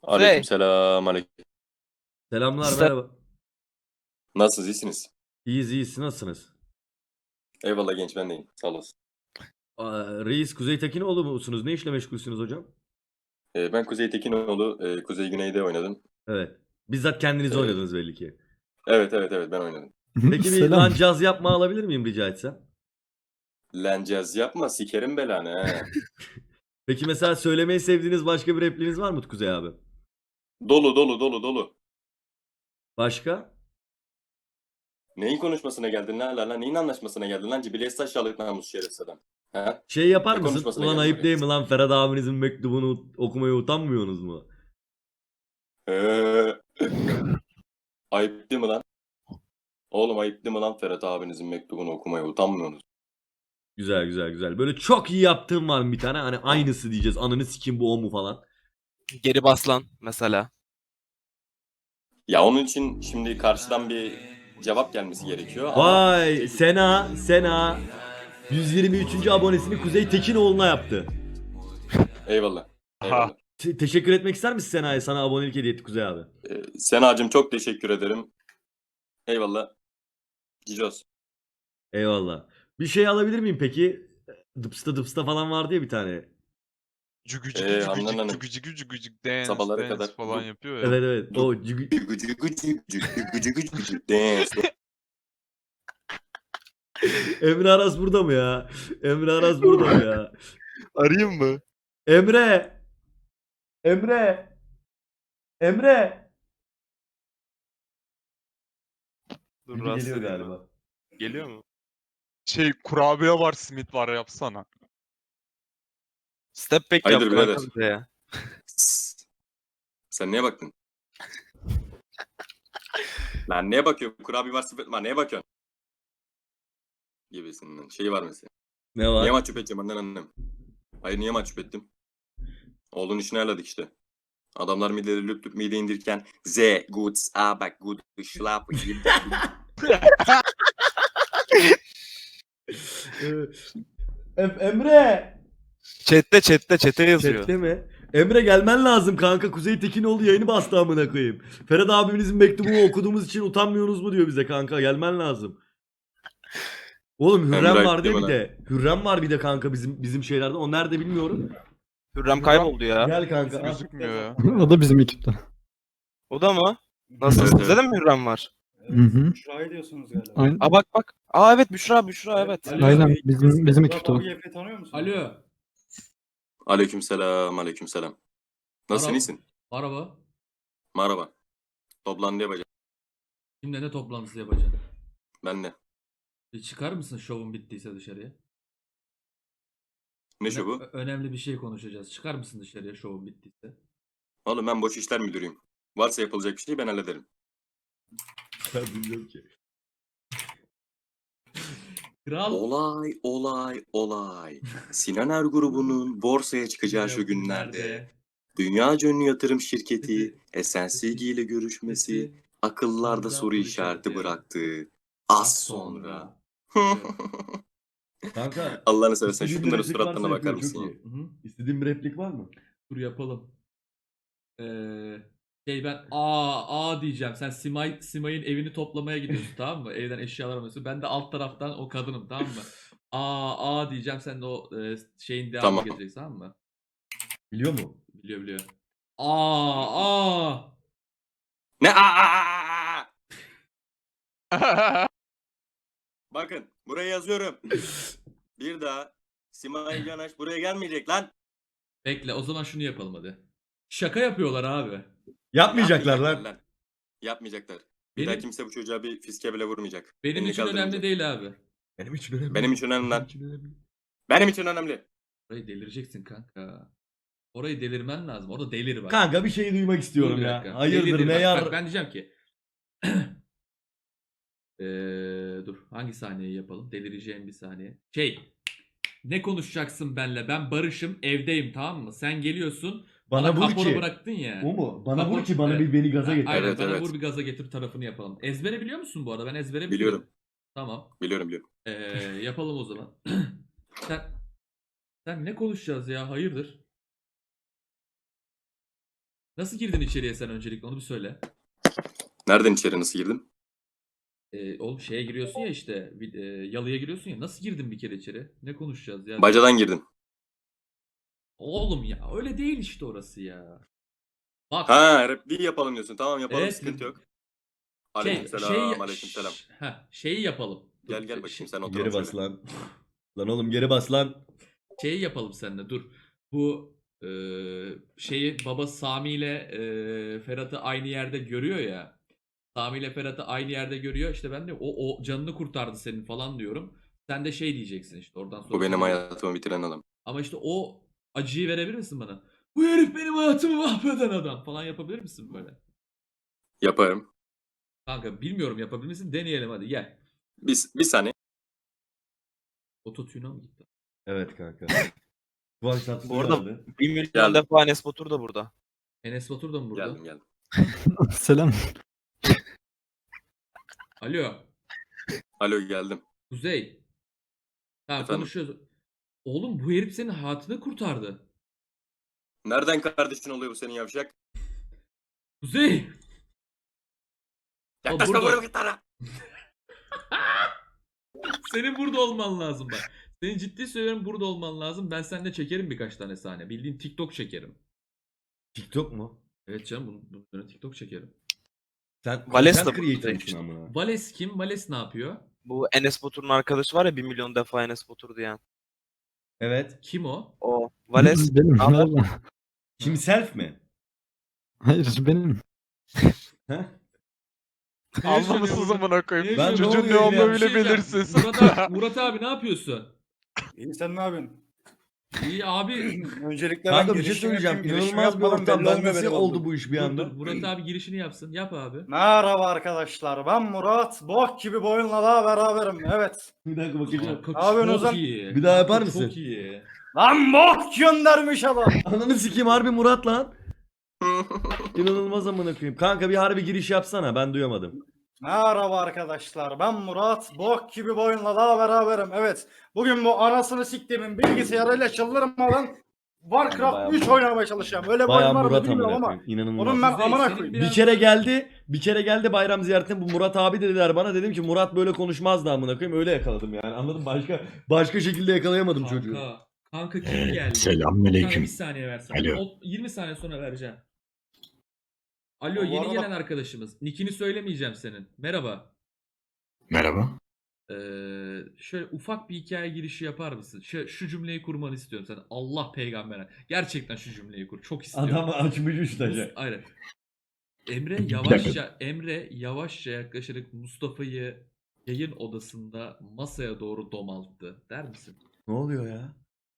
Aleykümselam. Selamlar, Sen- merhaba. Nasılsınız? İyisiniz? İyiyiz, iyiyiz. Nasılsınız? Eyvallah genç, ben deyim. Sağ olasın. Reis Kuzey Tekinoğlu musunuz? Ne işle meşgulsünüz hocam? Ben Kuzey Tekinoğlu. Kuzey Güney'de oynadım. Evet. Bizzat kendiniz Ee, oynadınız belli ki. evet ben oynadım. Peki bir lan caz yapma alabilir miyim rica etsem? Lencez yapma, sikerim belanı he. Peki mesela söylemeyi sevdiğiniz başka bir repliğiniz var mı Kuzey abi? Dolu. Başka? Neyin konuşmasına geldin lan? Neyin anlaşmasına geldin lan? Cibiliyet aşağılık namus şerefsiz adam. He? Şey yapar Ne mısın? konuşmasına Ulan geldin ayıp oraya? değil mi lan Ferhat abinizin mektubunu okumaya utanmıyorsunuz mu? Ee, ayıp değil mi lan? Oğlum ayıp değil mi lan Ferhat abinizin mektubunu okumaya utanmıyorsunuz? Güzel. Böyle çok iyi yaptığım var mı bir tane? Hani aynısı diyeceğiz. Ananı sikim bu o mu falan. Geri baslan mesela. Ya onun için şimdi karşıdan bir cevap gelmesi gerekiyor ama... Vay Sena 123. abonesini Kuzey Tekinoğlu'na yaptı. Eyvallah. Teşekkür etmek ister misin Sena'ya? Sana abonelik hediye etti Kuzey abi. Senacığım çok teşekkür ederim. Eyvallah. Cicos. Eyvallah. Bir şey alabilir miyim peki? Dıpsta falan vardı ya bir tane. Handan Hanım. Cügücük dance Sabahlara kadar falan yapıyor ya. Evet. O dance. Emre Aras burada mı ya? Emre Aras burada mı ya? Arayayım mı? Emre! Dur Gibi rahatsız geliyor edeyim galiba. ben. Geliyor mu? Kurabiye var, simit var, yapsana. Step back Hayırdır yap birader? kanka bize ya. Sen neye baktın? Lan neye bakıyorsun? Kurabiye var sepet var. Neye bakıyorsun? Gibisinden. Şeyi var mesela. Ne var? Niye mahcup edeceğim annen annem? Hayır niye mahcup ettim? Oğlun işini ayarladık işte. Adamlar mideleri lüp lüp mide indirken Z, Guts, Abak, Good, Schlap, Emre! Chat'te yazıyor. Chat'te mi? Emre gelmen lazım kanka. Kuzey Tekinoğlu yayını bastı amına koyayım. Ferhat abimizin mektubunu okuduğumuz için utanmıyorsunuz mu diyor bize kanka. Gelmen lazım. Oğlum Hürrem Emre var diye bir ayıp de. Hürrem var bir de kanka bizim şeylerde. O nerede bilmiyorum. Hürrem kayboldu ya. Gel kanka. al. Gözükmüyor ya. O da bizim ekipte. O da mı? Nasıl? Evet, Sizde de mi Hürrem var? Hı hı. Büşra'yı diyorsunuz galiba. Aynen, Bak. Evet Büşra evet. Alo. aynen bizim ekipte o. Murat abi Efe tanıyor musun? Alo. Aleykümselam. Nasılsın Merhaba. iyisin? Merhaba. Merhaba. Toplantı yapacağım. Kimle ne toplantısı yapacaksın? Ben de. Bir çıkar mısın şovun bittiyse dışarıya? Ne şu bu? Önemli bir şey konuşacağız. Çıkar mısın dışarıya şovun bittiyse? Oğlum ben boş işler müdürüyüm. Varsa yapılacak bir şey ben hallederim. Ben bilmiyorum ki. Kral. Olay. Sinan Er grubunun borsaya çıkacağı şu günlerde dünyaca ünlü yatırım şirketi SNCG ile görüşmesi akıllarda soru işareti bıraktı. Az sonra. Kanka. Allah'ını seversen istediğin şunların bir replik varsa suratlarına bakar yapıyorum, mısın? çok Ya? iyi. Hı-hı. İstediğin bir replik var mı? Dur yapalım. Ben diyeceğim. Sen Simay'ın evini toplamaya gidiyorsun tamam mı? Evden eşyalar alıyorsun. Ben de alt taraftan o kadınım tamam mı? Diyeceğim. Sen de o şeyin devamını Tamam. getireceksin tamam mı? Biliyor mu? Biliyor. Ne? Bakın buraya yazıyorum. Bir daha Simay Canaş buraya gelmeyecek lan. Bekle o zaman şunu yapalım hadi. Şaka yapıyorlar abi. Yapmayacaklar lan. Yapmayacaklar. Bir daha kimse bu çocuğa bir fiske bile vurmayacak. Benim Elini için önemli kaldırmayacak. değil abi. Benim için önemli. Benim için önemli lan. önemli. Benim için önemli. Orayı delireceksin kanka. Orayı delirmen lazım. Orada delir bak. Kanka bir şey duymak Dur istiyorum bir ya. dakika. Hayırdır Delidir ne bak. yar... Bak ben diyeceğim ki. Dur hangi sahneyi yapalım? Delireceğim bir saniye. Ne konuşacaksın benle? Ben barışım evdeyim tamam mı? Sen geliyorsun. Bana vur kapora ki. bıraktın ya. O mu? Bana Kapor- vur ki bana Evet. beni gaza getir. Aynen Evet, bana evet. vur bir gaza getir tarafını yapalım. Ezbere biliyor musun bu arada? Ben ezbere Biliyorum. Tamam. Biliyorum. Yapalım o zaman. Sen ne konuşacağız ya? Hayırdır? Nasıl girdin içeriye sen öncelikle onu bir söyle. Nereden içeri nasıl girdim? Oğlum şeye giriyorsun ya işte yalıya giriyorsun ya. Nasıl girdin bir kere içeri? Ne konuşacağız ya? Bacadan girdim. Oğlum ya öyle değil işte orası ya. Bak. Ha, repliği yapalım diyorsun. Tamam yapalım, Evet, sıkıntı yok. Şey, Aleykümselam, aleykümselam. Şeyi yapalım. Dur, Gel gel bakayım sen otur. Geri bas lan. Lan oğlum geri bas lan. Şeyi yapalım seninle dur. Bu şeyi baba Sami ile Ferhat'ı aynı yerde görüyor ya. Sami ile Ferhat'ı aynı yerde görüyor. İşte ben de o canını kurtardı senin falan diyorum. Sen de şey diyeceksin işte oradan sonra. Bu benim hayatımı bitiren adam. Ama işte o acıyı verebilir misin bana? Bu herif benim hayatımı mahveden adam falan yapabilir misin böyle? Yaparım. Kanka bilmiyorum yapabilir misin? Deneyelim hadi gel. Bir saniye. Ototune'a mı gitti? Evet kanka. Kıvanç Tatlıtuğ Bu arada geldi. 1 milyon Geldim. defa Enes Batur da burada. Enes Batur da mı burada? Geldim geldim. Selam. Alo. Alo geldim. Kuzey. Tamam Efendim? konuşuyoruz. Oğlum bu herif senin hayatını kurtardı. Nereden kardeşin oluyor bu senin yavşak? Kuzey. Yaklaşma burada. buraya git lan. Senin burada olman lazım bak. Senin ciddi söylüyorum burada olman lazım. Ben seninle çekerim birkaç tane sahne. Bildiğin TikTok çekerim. TikTok mu? Evet canım bunun üzerine TikTok çekerim. Sen Vales content de creator burada mısın amına? Vales kim? Vales ne yapıyor? Bu Enes Batur'un arkadaşı var ya 1 milyon defa Enes Batur diyen. Evet. Kim o? O. Vales. Benim. Ama- Merhaba. Himself mi? Hayır benim. Heh? Anlamışsınız amına koyayım. Ben ne Çocuğun oluyor ne ya? olduğunu Bir şey bile diyeceğim. belirsiz. Murat abi ne yapıyorsun? İyi sen ne yapıyorsun? İyi abi. Öncelikle Kanka ben bir şey girişimi söyleyeceğim. yapayım, girişimi İnanılmaz bir yapmadan ortam. belli Ben olmuyor nasıl benim oldu olduğum. bu iş bir Dur, anda? dur, Murat abi girişini yapsın. Yap abi. Merhaba arkadaşlar ben Murat. Bok gibi bu oyunla daha beraberim. Evet. Bir dakika bakacağım. Kanka Abi çok Ozan, iyi. bir daha yapar Kanka mısın? Çok iyi. Lan bok göndermiş adam. Ananı sikeyim harbi Murat lan. İnanılmaz amına koyayım. Kanka bir harbi giriş yapsana ben duyamadım. Merhaba arkadaşlar ben Murat. Bok gibi bu oyunla daha beraberim. Evet. Bugün bu anasını siktiğimin bilgisayarıyla çıldırmadan Warcraft Bayağı 3 oynamaya çalışacağım. Öyle bir Bayağı oyun var mı Murat bilmiyorum amına ama. koyayım. İnanılmaz. Onun ben Kuzey, amına senin koyayım. biraz- Bir kere geldi bayram ziyaretine bu Murat abi dediler bana. Dedim ki Murat böyle konuşmazdı amına koyayım. Öyle yakaladım yani. Anladın mı? Başka şekilde yakalayamadım çocuğu. Kanka kim geldi? Kanka Selamünaleyküm. bir saniye versene. Alo. 20 saniye sonra vereceğim. Alo Bu yeni arada- gelen arkadaşımız. Nickini söylemeyeceğim senin. Merhaba. Merhaba. Şöyle ufak bir hikaye girişi yapar mısın? Şu cümleyi kurmanı istiyorum sen. Allah peygambere. Gerçekten şu cümleyi kur. Çok istiyorum. Adam açmış üstacı. Aynen. Emre Bir yavaşça yaklaşarak Mustafa'yı yayın odasında masaya doğru domalttı. Der misin? Ne oluyor ya?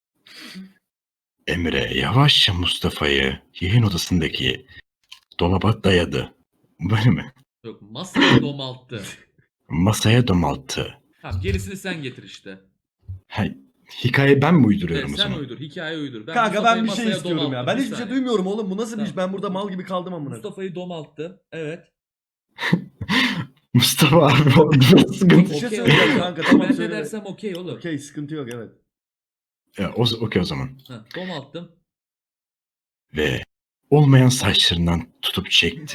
Emre yavaşça Mustafa'yı yayın odasındaki dolaba dayadı. Böyle mi? Yok masaya domalttı. Masaya domalttı. Tamam gerisini sen getir işte. Ha, hikaye ben mi uyduruyorum Evet, o sen zaman? uydur. Hikaye uydur. Kanka Mustafa'yı ben bir şey masaya istiyorum ya. domalttım. Ben Bir hiçbir şey saniye. duymuyorum oğlum. Bu nasıl bir iş? Tamam. Ben burada mal gibi kaldım amına. Mustafa'yı domalttı. Evet. Mustafa abi o biraz sıkıntı. Bir şey Okey, söyleyeceğim okey. kanka. Tamam Ben ne söyle. dersem okey oğlum. Okey sıkıntı yok evet. Ya, okey o zaman. Ha, domalttım. Ve olmayan saçlarından tutup çekti.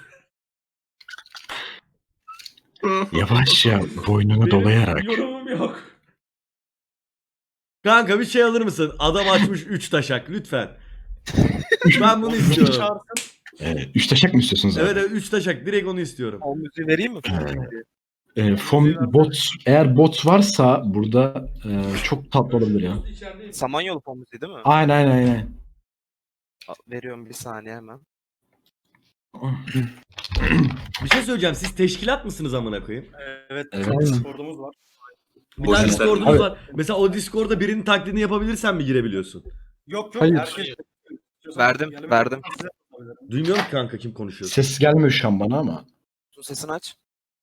Yavaşça boynunu Benim dolayarak yorumum yok. Kanka bir şey alır mısın? Adam açmış 3 taşak lütfen. Ben bunu istiyorum. Çağırsın. üç taşak mı istiyorsunuz abi? Evet evet 3 taşak direkt onu istiyorum. O müziği vereyim mi? Eğer bot varsa burada çok tatlı olabilir ya. İçerideyim. Samanyolu fon müziği değil mi? Aynen. Veriyorum bir saniye hemen. Bir şey söyleyeceğim. Siz teşkilat mısınız amına koyayım? Evet. Evet. Discord'umuz var. Bir O tane yüzden- Discord'unuz Evet. var. Mesela o Discord'da birinin taklidini yapabilirsen mi girebiliyorsun? Yok Hayır. herkes. Verdim, Yani verdim. Duymuyorum ki kanka kim konuşuyor. Ses gelmiyor şu an bana ama. Sesini aç.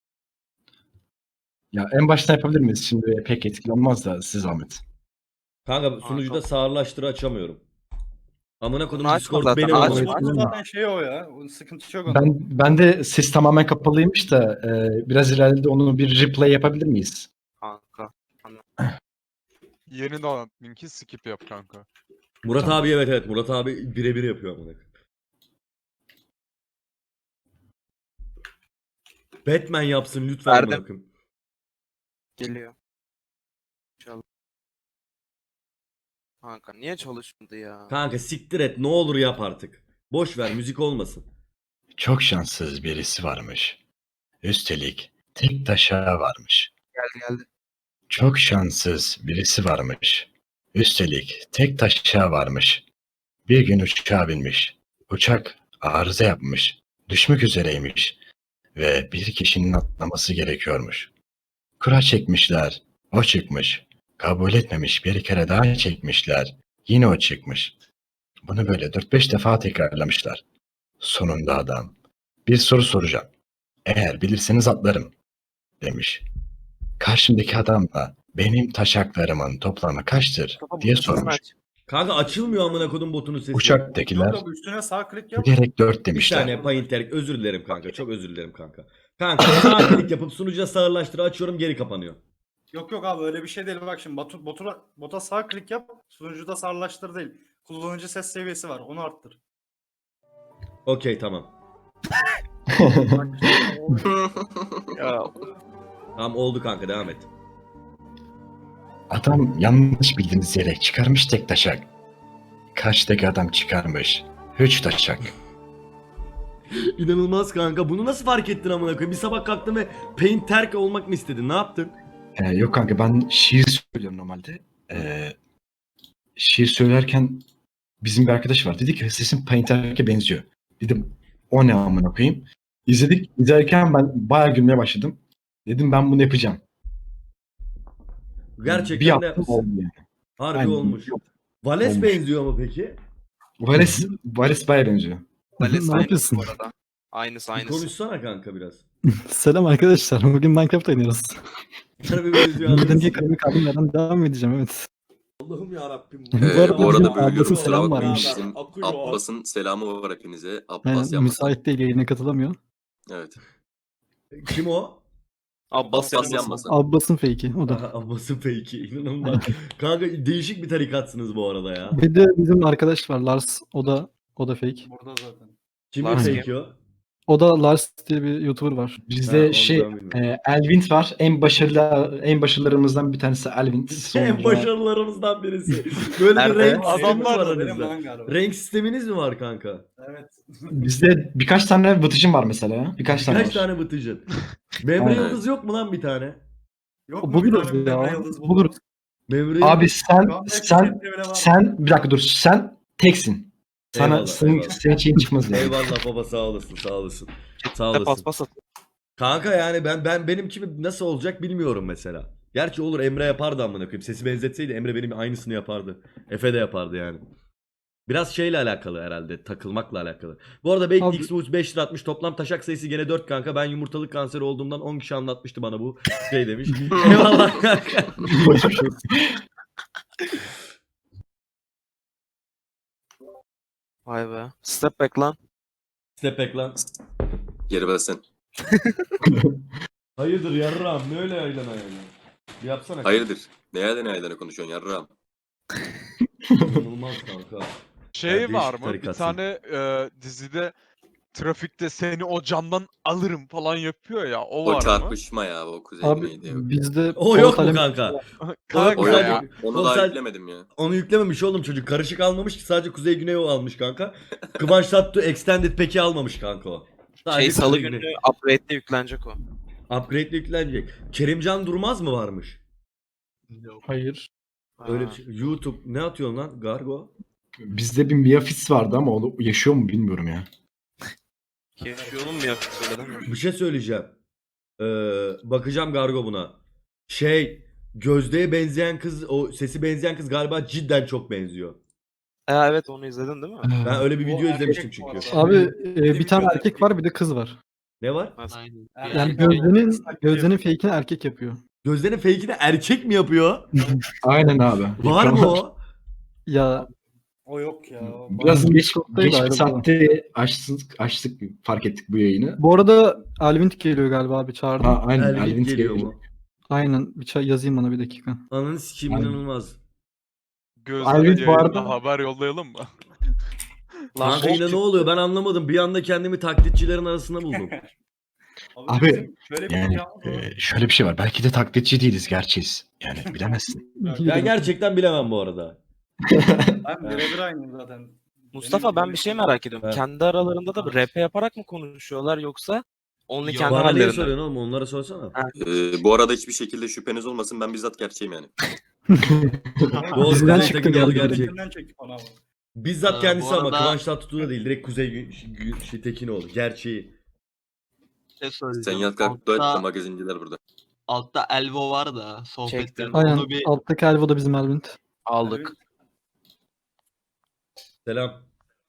Ya en başta yapabilir miyiz? Şimdi pek etkili olmaz da siz zahmet. Kanka sunucuda sağırlaştırı açamıyorum. Amına kodum Bunu açma Discord zaten, benim açma. amına. Açma. Zaten şey o ya. Onun sıkıntı yok onda. Ben de ses tamamen kapalıymış da biraz ileride onu bir replay yapabilir miyiz? Kanka. Yeni dolan linki skip yap kanka. Murat abi evet Murat abi birebir yapıyor amına. Batman yapsın lütfen. Verdim. amına koyayım. Geliyor. İnşallah. Kanka niye çalışmadı ya? Kanka siktir et ne olur yap artık. Boş ver müzik olmasın. Çok şanssız birisi varmış. Üstelik tek taşa varmış. Geldi. Çok şanssız birisi varmış. Üstelik tek taşa varmış. Bir gün uçağa binmiş. Uçak arıza yapmış. Düşmek üzereymiş. Ve bir kişinin atlaması gerekiyormuş. Kura çekmişler. O çıkmış. Kabul etmemiş, bir kere daha çekmişler. Yine o çıkmış. Bunu böyle 4-5 defa tekrarlamışlar. Sonunda adam, bir soru soracağım. Eğer bilirseniz atlarım, demiş. Karşımdaki adam da benim taşaklarımın toplamı kaçtır Kafa diye butonu sormuş. aç. Kanka açılmıyor amına kodum botunun sesi. Uçaktakiler Yok, üstüne sağ klik yap. bilerek 4 Bir demişler. saniye Painter özür dilerim kanka. Çok özür dilerim kanka. Kanka sağ klik yapıp sunucuya sağırlaştır açıyorum geri kapanıyor. Yok abi öyle bir şey değil. Bak şimdi bota sağ klik yap. Sunucuda sağlaştır değil. Kullanıcı ses seviyesi var. Onu arttır. Okey tamam. Bak, Ya Tamam oldu kanka devam et. Adam yanlış bildiğiniz yere çıkarmış tek taşak. Karşıdaki adam çıkarmış 3 taşak. İnanılmaz kanka. Bunu nasıl fark ettin amına koyayım? Bir sabah kalktın ve Painter olmak mı istedin? Ne yaptın? Yok kanka ben şiir söylüyorum normalde. Şiir söylerken bizim bir arkadaş var. Dedi ki sesin Painter'e benziyor. Dedim o ne amına koyayım. İzlerken ben bayağı gülmeye başladım. Dedim ben bunu yapacağım. Gerçekten bir de yaptım yapmışsın. oldu yani. Harbi Aynen. olmuş. Vales Olmuş. benziyor mu peki? Vales bayağı benziyor. Vales Ne aynısı yapıyorsun? bu arada. Aynısı Bir aynısı. konuşsana kanka biraz. Selam arkadaşlar. Bugün Minecraft oynuyoruz. Harbi benziyor. Neden diye kalemi kaldım yerden devam edeceğim evet. Allah'ım yarabbim. Bu arada Bu arada bizim bölüyorum. Abbas'ın Kusura selam bakmayın. varmış. Bizim Abbas'ın selamı var hepinize. Abbas Yani yapmasın. müsait değil yayına katılamıyor. Evet. Kim o? Abbas Abbas yanmasın. yanmasın. Abbas'ın fake'i o da. Aha, Abbas'ın fake'i. İnanılmaz. Kanka değişik bir tarikatsınız bu arada ya. Bir de bizim arkadaş var Lars. O da fake. Burada zaten. Kimin Lars fake'i o? O da Lars diye bir YouTuber var. Ha, Bizde onu ben bilmiyorum. Elvint var. En başarılarımızdan bir tanesi Elvint. En başarılarımızdan birisi. Böyle bir Nerede? renk sistemi Adamlar var Benim aranızda. lan galiba. Renk sisteminiz mi var kanka? Evet. Bizde birkaç tane vıtıcım var mesela ya. Birkaç tane Kaç var. tane bıtıcın? Memre Evet. Yıldız yok mu lan bir tane? Yok mu Buluruz bir tane ya. yıldız Buluruz. Memre Abi Yıldız- sen bir dakika dur. Sen teksin. Sana Eyvallah, senin eyvallah. şeyin çıkmaz yani. Eyvallah baba sağ olasın sağ olasın. Sağ Ne olasın. paspas at. Kanka yani benim kimi nasıl olacak bilmiyorum mesela. Gerçi olur Emre yapardı amına koyayım. Sesi benzetseydi Emre benim aynısını yapardı. Efe de yapardı yani. Biraz şeyle alakalı herhalde. Takılmakla alakalı. Bu arada Baked Abi- X 5 lira atmış. Toplam taşak sayısı gene 4 kanka. Ben yumurtalık kanseri olduğumdan 10 kişi anlatmıştı bana bu şey demiş. Eyvallah kanka. Geçmiş olsun. Vay be. Step back lan. Step back lan. Geri basın. Hayırdır yarram ne öyle yaylana yani. Bir yapsana. Hayırdır? Neyden konuşuyorsun yarram? İnanılmaz kanka. Şey Yani var değişik mı? Bir tarikatsın. tane dizide trafikte seni o camdan alırım falan yapıyor ya. O var O mı? çarpışma ya o kuzey Abi güneydi. Yok. bizde O yok mu Polat kanka? Kanka O O sadece- ya. yok. Onu o daha sadece- yüklemedim ya. Onu yüklememiş oğlum çocuk. Karışık almamış ki sadece Kuzey Güney o almış kanka. Kıvanç Tatlı Extended Pack'i almamış kanka o. Sadece Şey salı Kuzey günü Güney. upgrade'de yüklenecek o. Upgrade'le yüklenecek. Kerimcan Durmaz mı varmış? hayır. Öyle Ha. bir şey. YouTube ne atıyorsun lan Gargo? Bizde bir Miafis vardı ama o yaşıyor mu bilmiyorum ya. Yaşıyor mu yakın söyledin mi? Bir şey söyleyeceğim. Bakacağım Gargo buna. Gözde'ye benzeyen kız, o sesi benzeyen kız galiba cidden çok benziyor. Evet onu izledin değil mi? Ben öyle bir O video erkek izlemiştim bu çünkü. arada. Abi bir tane erkek var bir de kız var. Ne var? Yani Gözde'nin fake'ini erkek yapıyor. Gözde'nin fake'ini erkek mi yapıyor? Aynen abi. Var mı o? Ya O yok ya. o- Biraz geç Şoktaydı bir ayrı saatte açtık fark ettik bu yayını. bu arada Alvint geliyor galiba abi çağırdım. Ha, aynen. Elvin Elvin geliyor geliyor. mu? Aynen bir çay yazayım bana bir dakika. Ananı sikeyim Aynen. inanılmaz. Gözlere Alvin bu yayında arada- haber yollayalım mı? Lan Kanka yine ne oluyor ben anlamadım. Bir anda kendimi taklitçilerin arasında buldum. Abi, bizim şöyle bir Yani ricamız var. şöyle bir şey var. Belki de taklitçi değiliz, gerçeğiz. Yani bilemezsin. Ben gerçekten bilemem bu arada. Ben birebir aynıyım zaten. Mustafa ben bir şey merak ediyorum. Evet. Kendi aralarında da RP yaparak mı konuşuyorlar yoksa only Yok. kendi Bana niye hallerinde mi? soruyorsun oğlum? Onlara sorsana. Ha. Bu arada hiçbir şekilde şüpheniz olmasın, ben bizzat gerçeğim yani. Doğru, Bizden Kuzey çıktı Tekin doğru geldi. gerçek. Gerçekten çektik ona ama. Bizzat Bu kendisi ama arada- Kıvanç Tatlıtuğ da değil. Direkt Kuzey Tekinoğlu. Gerçeği. şey Sen söyleyeceğim. yat kalk dua et de Altta, magazinciler burada. altta Elvo var da sohbette. Çektim. Aynen. Onu bir Alttaki Elvo da bizim Elvin. Aldık. Selam.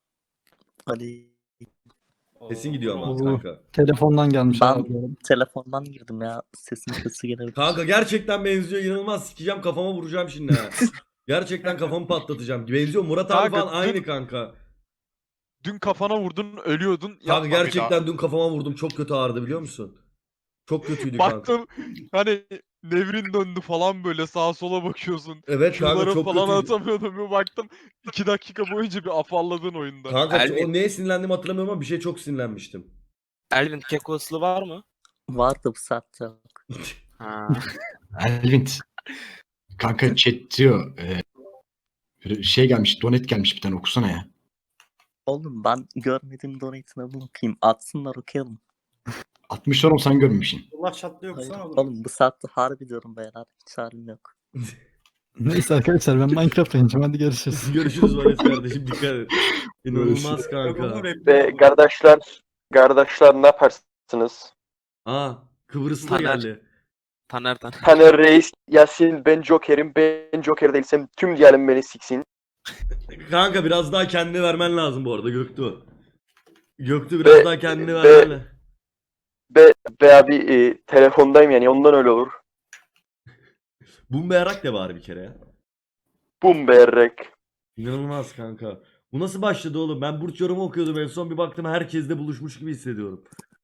Hadi Sesin gidiyor ama Oo. kanka. Telefondan gelmiş. Ben- abi bu arada. telefondan girdim ya. Sesim sesi gelebilir. Kanka gerçekten benziyor. İnanılmaz sikeceğim, kafama vuracağım şimdi ha. Gerçekten kafamı patlatacağım. Benziyor. Murat abi Kanka, falan aynı dün- kanka. Dün kafana vurdun, ölüyordun. Kanka Yapma bir daha. gerçekten dün kafama vurdum. Çok kötü ağrıdı biliyor musun? Çok kötüydü kanka. Baktım hani nevrin döndü falan, böyle sağa sola bakıyorsun. Evet kanka Şunları çok falan kötüydü. atamıyordum. Bir baktım 2 dakika boyunca bir afalladın oyunda. Kanka Elvin- o neye sinirlendiğimi hatırlamıyorum ama bir şey çok sinirlenmiştim. Elvin keko ıslığı var mı? Vardı bu saatte. Ha. Elvin. Kanka chat diyor. Şey gelmiş, donet gelmiş, bir tane okusana ya. Oğlum ben görmediğim donate'ine bakayım. Atsınlar okuyalım. 60 oğlum, sen görmemişsin. Allah çatlıyor Hayır, okusana oğlum. oğlum bu saatte harbi diyorum beyler. Hiç halim yok. Neyse arkadaşlar ben Minecraft oynayacağım. Hadi görüşürüz. Görüşürüz Valet kardeşim, dikkat et. İnanılmaz Yok kanka. oğlum, rap Ve yok. kardeşler ne yaparsınız? Aa, Kıbrıs'ta Taner. geldi. Taner. Taner Reis, Yasin, ben Joker'im. Ben Joker değilsem tüm diyelim beni siksin. Kanka biraz daha kendini vermen lazım bu arada Göktuğ. Göktuğ biraz Be- daha kendini be- vermen lazım. Be abi telefondayım yani, ondan öyle olur. Bumberak de bari bir kere ya. Bum berrek. İnanılmaz kanka. Bu nasıl başladı oğlum? Ben burç yorumu okuyordum en son, bir baktım herkesle buluşmuş gibi hissediyorum.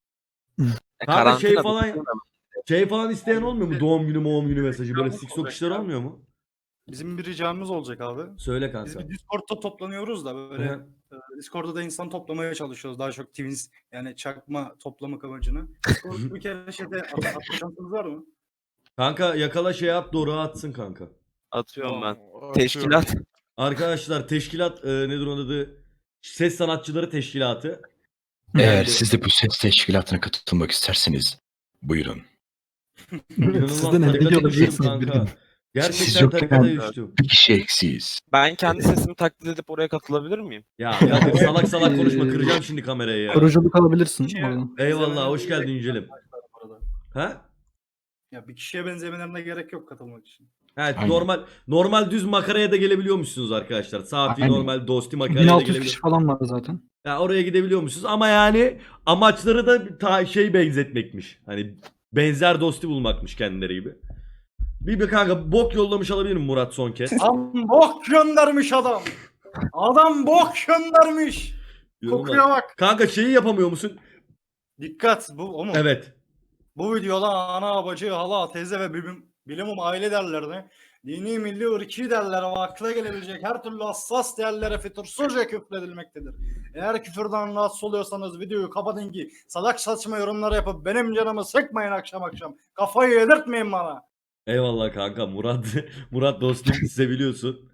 Kanka şey falan isteyen olmuyor mu? Doğum günü mesajı, böyle TikTok işler olmuyor mu? Bizim bir ricamız olacak abi. Söyle Biz kanka. bir Discord'da toplanıyoruz da böyle Hı. Discord'da da insan toplamaya çalışıyoruz. Daha çok twins yani çakma toplamak amacına. Discord'da bir kere şeyde atma şansınız var mı? Kanka yakala şey at, doğru atsın kanka. Atıyorum ben. Atıyorum. Teşkilat. Arkadaşlar teşkilat nedir onun adı? Ses Sanatçıları Teşkilatı. Eğer Yani- siz de bu ses teşkilatına katılmak isterseniz buyurun. İnanılmaz Siz de ne tarikata biliyor düştüm olabilirsiniz kanka. bir gün. Siz Gerçekten yokken- tarikata düştüm. Bir kişi eksiyiz. Ben kendi sesimi taklit edip oraya katılabilir miyim? Ya Kadir salak salak konuşma, kıracağım şimdi kamerayı ya. Koruculuk alabilirsin Şey- oradan. Eyvallah, hoş geldin Yücelim. Bu arada. Ha? Ya bir kişiye benzemelerine gerek yok katılmak için. Evet, Aynen. normal düz makaraya da gelebiliyormuşsunuz arkadaşlar. Safi Aynen. normal dosti makaraya da 1600 gelebiliyor. kişi falan var zaten. Ya oraya gidebiliyormuşsunuz ama yani amaçları da benzetmekmiş. Hani benzer dosti bulmakmış kendileri gibi. Bir kanka bok yollamış alabilir miyim Murat son kez? Adam bok göndermiş adam. Adam bok göndermiş. Kokuya bak. Kanka şeyi yapamıyor musun? Dikkat bu o mu? Evet. Bu videoda ana, bacı, hala, teyze ve bilimum aile değerlerine, dini, milli, ırki değerlere ve akla gelebilecek her türlü hassas değerlere fütursuzca küfredilmektedir. Eğer küfürden rahatsız oluyorsanız videoyu kapatın ki salak saçma yorumlar yapıp benim canımı sıkmayın akşam akşam. Kafayı yedirtmeyin bana. Eyvallah kanka Murat. Murat dostum, seviliyorsun.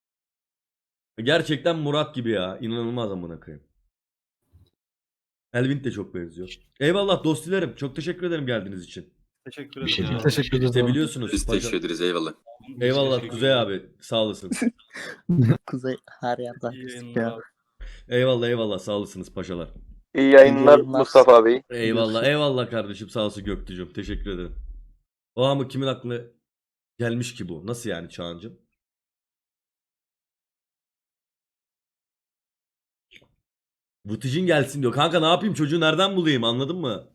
Gerçekten Murat gibi ya. İnanılmaz amına koyayım. Elvin de çok benziyor. Eyvallah dostilerim. Çok teşekkür ederim geldiğiniz için. Teşekkür Bir şey ederim. değil. Teşekkür ederiz. abi. Seviliyorsunuz. Biz teşekkür ederiz, eyvallah. Eyvallah Kuzey abi. Sağ olasın. Kuzey her yerden İyi gözüküyor. yayınlar. Eyvallah eyvallah, sağ olasınız paşalar. İyi yayınlar yayınlar. Mustafa abi. Eyvallah eyvallah kardeşim, sağ olsun Göktücüm. Teşekkür ederim. O ama kimin aklına gelmiş ki bu? Nasıl yani Çağancım? Vıtıcın gelsin diyor. Kanka ne yapayım, çocuğu nereden bulayım, anladın mı?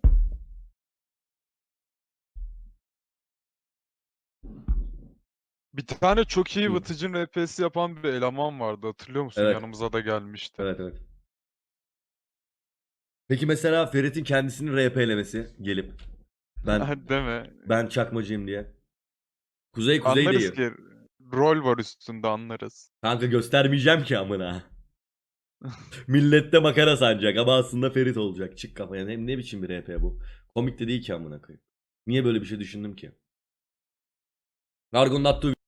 Bir tane çok iyi Hı. Vıtıcın RP'si yapan bir eleman vardı, hatırlıyor musun? Evet. Yanımıza da gelmişti. Evet evet. Peki mesela Ferit'in kendisini RP'lemesi gelip Değil mi? ben çakmacıyım diye. Kuzey Anlarız değil. ki rol var üstünde, anlarız. Kanka göstermeyeceğim ki amına. Millette makara sanacak ama aslında Ferit olacak. Çık kafaya. Hem ne biçim bir RP bu? Komik de değil ki amına koyayım. Niye böyle bir şey düşündüm ki? Gargon'un attığı